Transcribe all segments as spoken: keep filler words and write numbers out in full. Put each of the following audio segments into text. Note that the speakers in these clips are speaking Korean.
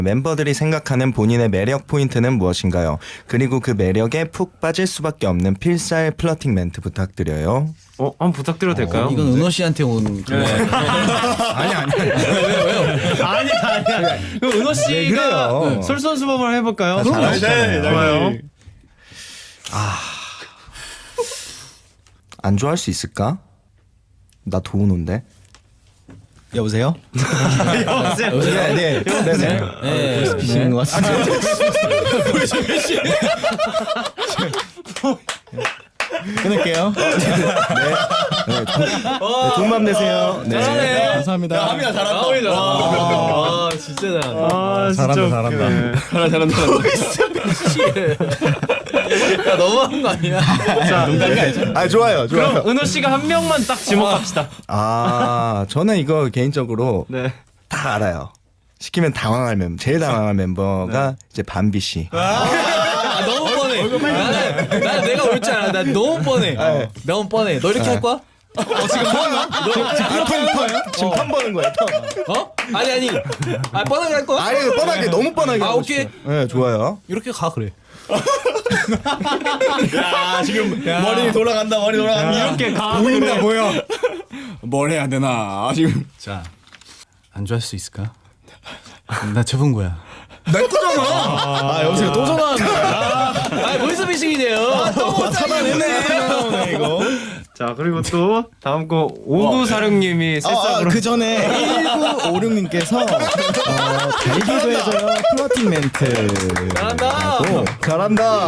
멤버들이 생각하는 본인의 매력 포인트는 무엇인가요? 그리고 그 매력에 푹 빠질 수밖에 없는 필살 플러팅 멘트 부탁드려요. 어, 한번 부탁드려도 될까요? 어, 이건 은호 씨한테 온 그거. 아니 아니 아니. 왜요 왜요? 아니 아니야. 그럼 은호 씨가 그래요? 솔선수범을 해볼까요? 그럼 네, 네, 좋아요. 안 좋아할 수 있을까? 나 도우노인데. 여보세요? 여보세요. 네, 네, 네, 네. 네. 보이시는 것 같은데. 끊을게요. 네, 조, 네, 좋은 밤 되세요. 네. 잘하네. 감사합니다. 하민아 잘한다. 아 진짜 잘한다. 아, 잘한다, 진짜 잘한다. 웃기네. 잘한다 잘한다. 야 너무한 거 아니야? 자, 아 좋아요, 좋아요. 그럼 은호 씨가 한 명만 딱 지목합시다. 아 저는 이거 개인적으로 네. 다 알아요. 시키면 당황할 멤버, 제일 당황할 멤버가 이제 밤비 씨. 아 너무 뻔해. 나는 나 내가 올 줄 알아. 나 너무 뻔해. 어, 너무 뻔해. 너 이렇게 할 거야? 아, 턴, 지금 턴 버는 거예요. 턴. 어? 아니 아니. 아 뻔하게 할 거야? 아니 뻔하게 너무 뻔하게. 아, 하고 오케이. 싶어요. 네 좋아요. 이렇게 가 그래. 야 지금 머리 돌아간다 머리 돌아간다. 이렇게 가. 보인다 보여. 뭘 해야 되나 아, 지금. 자, 안 좋아할 수 있을까? 나 접은 거야. 내 거잖아. 아 여보세요 또 전화하는 거야. 아 보이스피싱이네요. 또 차단했네. 이거. 자, 그리고 또 다음 거 오구사육님이 아, 새싹으로. 그 전에 일구오육님께서 어, 달기도 해줘요 플러팅 멘트. 잘한다. 잘한다.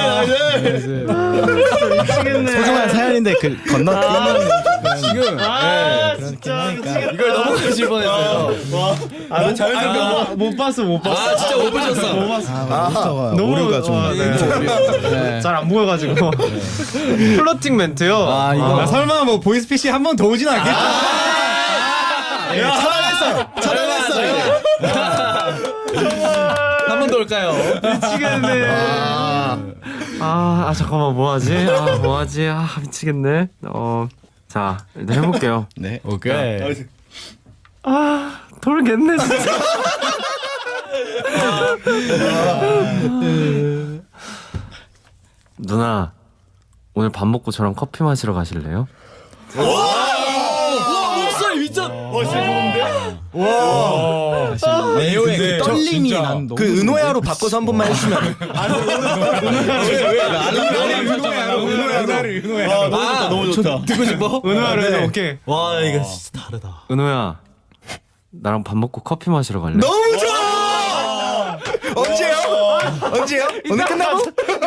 미치겠네. 소중한 사연인데 그 건너뛰는 지금. 아, 네, 진짜 그렇긴 미치겠네. 이걸 너무 크실 뻔했어요. 아, 못, 아, 못 봤어, 못 봤어. 아 진짜 못 보셨어. 못 봤어. 아, 너무 너무 오류가 좀. 어, 네. 잘 안 보여가지고. 플러팅 멘트요. 아 이거. 아, 설마 뭐 보이스피싱 한 번 더 오진 않겠지? 차단했어. 차단했어. 한 번 더 올까요? 미치겠네. 아, 아 잠깐만 뭐 하지? 아, 뭐 하지? 아, 미치겠네. 어, 자 일단 해볼게요. 네, 오케이. 아, 돌겠네 진짜. 누나, 오늘 밥 먹고 저랑 커피 마시러 가실래요? 와 목소리 미쳤. 레오의 그 떨림이 난 너무. 그 은호야로 바꿔서 한 번만 해주시면. 은호야를 은호야. 아 너무 좋다. 듣고 싶어? 은호야로 네. 오케이. 와 이거 진짜 다르다. 은호야, 나랑 밥 먹고 커피 마시러 갈래? 너무 좋아. 언제요? 언제요? 오늘 끝나고?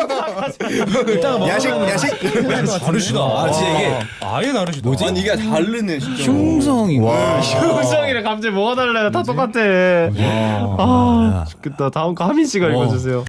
야식 야식. 다르시다. 아 진짜 이게 아예 다르시다. 뭐지? 아니 이게 다르네 진짜. 흉성이. 와. 효성이랑 갑자기 뭐가 달라요? 다 똑같아. 아, 좋겠다. 다음 거 하민 씨가 읽어주세요.